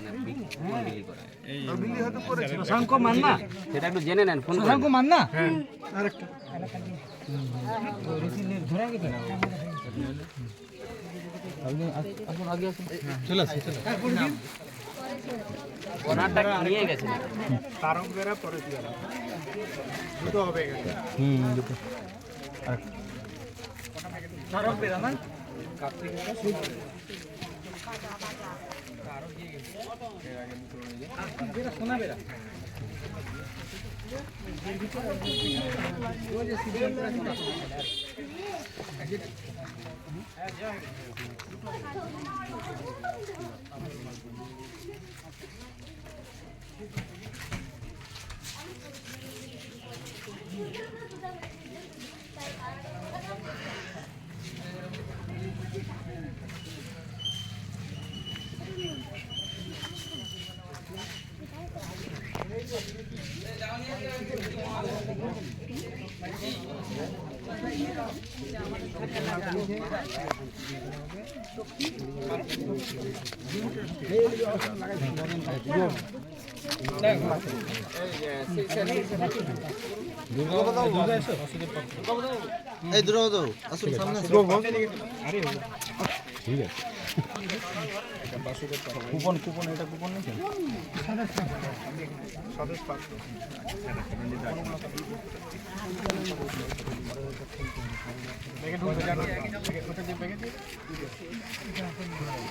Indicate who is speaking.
Speaker 1: শশাঙ্ক মান্না,
Speaker 2: সেটা একটু জেনে নেন ফোন করে।
Speaker 1: শশাঙ্ক মান্না।
Speaker 3: চলে আসি চলে
Speaker 2: ওনারটা নিয়ে গেছে
Speaker 1: তারঙ্গেরা পরে দিয়ে দুটো হবে এখানে।
Speaker 3: দুটো
Speaker 1: তারঙ্গেরা না সোনা বেরা
Speaker 3: এই দুটো দাও আসুন সামনে ঠিক আছে কুপন কুপন এটা কুপন নেই
Speaker 1: স্বদেশ পাত্র ব্যাগে ঢুকবে জানো ব্যাগে ঢুকে যে ব্যাগে দিয়ে